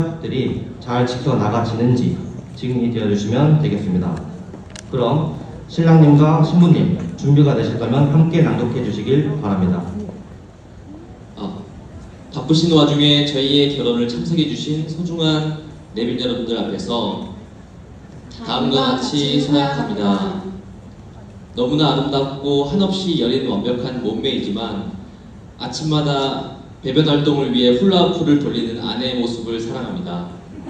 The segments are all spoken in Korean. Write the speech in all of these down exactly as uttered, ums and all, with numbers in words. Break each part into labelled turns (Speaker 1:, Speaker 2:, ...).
Speaker 1: 들이 잘 지켜나가지는지 증인이 되어주시면 되겠습니다. 그럼 신랑님과 신부님 준비가 되셨다면 함께 낭독해 주시길 바랍니다.
Speaker 2: 아, 바쁘신 와중에 저희의 결혼을 참석해 주신 소중한 내빈 여러분들 앞에서 다음과 같이 서약합니다. 너무나 아름답고 한없이 여린 완벽한 몸매이지만 아침마다 배변 활동을 위해 훌라후프를 돌리는 아내의 모습을 사랑합니다.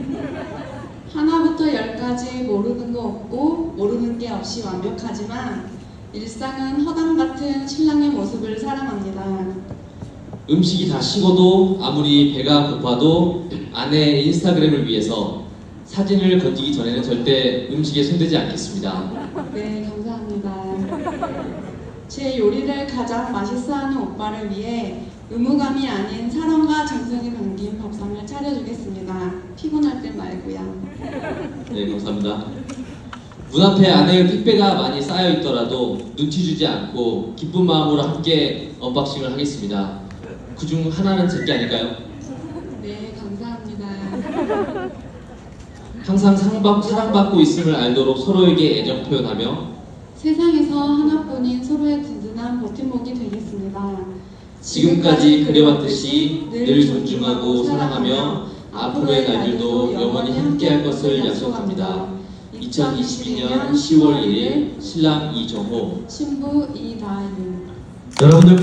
Speaker 3: 하나부터 열까지 모르는 거 없고 모르는 게 없이 완벽하지만 일상은 허당 같은 신랑의 모습을 사랑합니다.
Speaker 2: 음식이 다 식어도 아무리 배가 고파도 아내의 인스타그램을 위해서 사진을 건지기 전에는 절대 음식에 손대지 않겠습니다.
Speaker 3: 네, 감사합니다. 제 요리를 가장 맛있어하는 오빠를 위해 의무감이 아닌 사랑과 정성이 담긴 밥상을 차려주겠습니다. 피곤할 때 말고요.
Speaker 2: 네, 감사합니다. 문 앞에 아내의 택배가 많이 쌓여 있더라도 눈치 주지 않고 기쁜 마음으로 함께 언박싱을 하겠습니다. 그중 하나는 제게 아닐까요?
Speaker 3: 네, 감사합니다.
Speaker 2: 항상 사랑받, 사랑받고 있음을 알도록 서로에게 애정 표현하며
Speaker 3: 세상에서 하나뿐인 서로의 든든한 버팀목이 되겠습니다.
Speaker 2: 지금까지 그래왔듯이 늘 존중하고 사랑하며 앞으로의 날들도 영원히 함께할 것을 약속합니다. 이천이십이 년 시월 일 일 신랑 이정호,
Speaker 3: 신부 이다윤.
Speaker 1: 여러분들